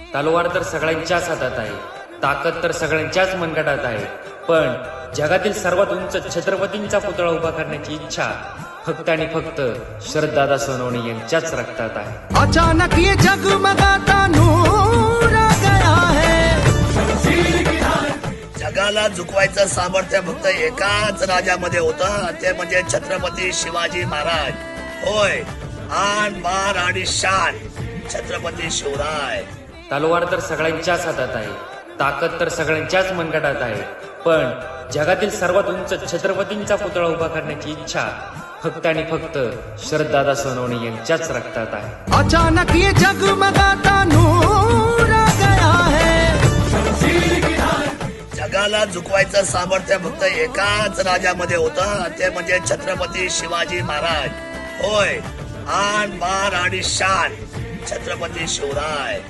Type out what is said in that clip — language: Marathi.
तलवार तर सगळ्यांच्याच हातात आहे, ताकद तर सगळ्यांच्याच मनगटात आहे, पण जगातील सर्वात उंच छत्रपतींचा पुतळा उभा करण्याची इच्छा फक्त आणि फक्त शरददादा सोनवणे यांच्याच रक्तात आहे. अचानक ये जगमगाता नूर आ गया है. जगाला झुकवायचं सामर्थ्य फक्त एकाच राजामध्ये होतं, ते म्हणजे छत्रपती शिवाजी महाराज. होय, आन बार आणि शान छत्रपती शिवराय. तलवार तर सगळ्यांच्याच हातात आहे, ताकद तर सगळ्यांच्याच मनगटात आहे, पण जगातील सर्वात उंच छत्रपतींचा पुतळा उभा करण्याची इच्छा फक्त आणि फक्त शरददादा सोनवणे यांच्याच रक्तात आहे. अचानक ये जगमगाता नूर आ गया है. जगाला झुकवायचं सामर्थ्य फक्त एकाच राजामध्ये होतं, ते म्हणजे छत्रपती शिवाजी महाराज. होय, आन बार आणि शान छत्रपती शिवराय.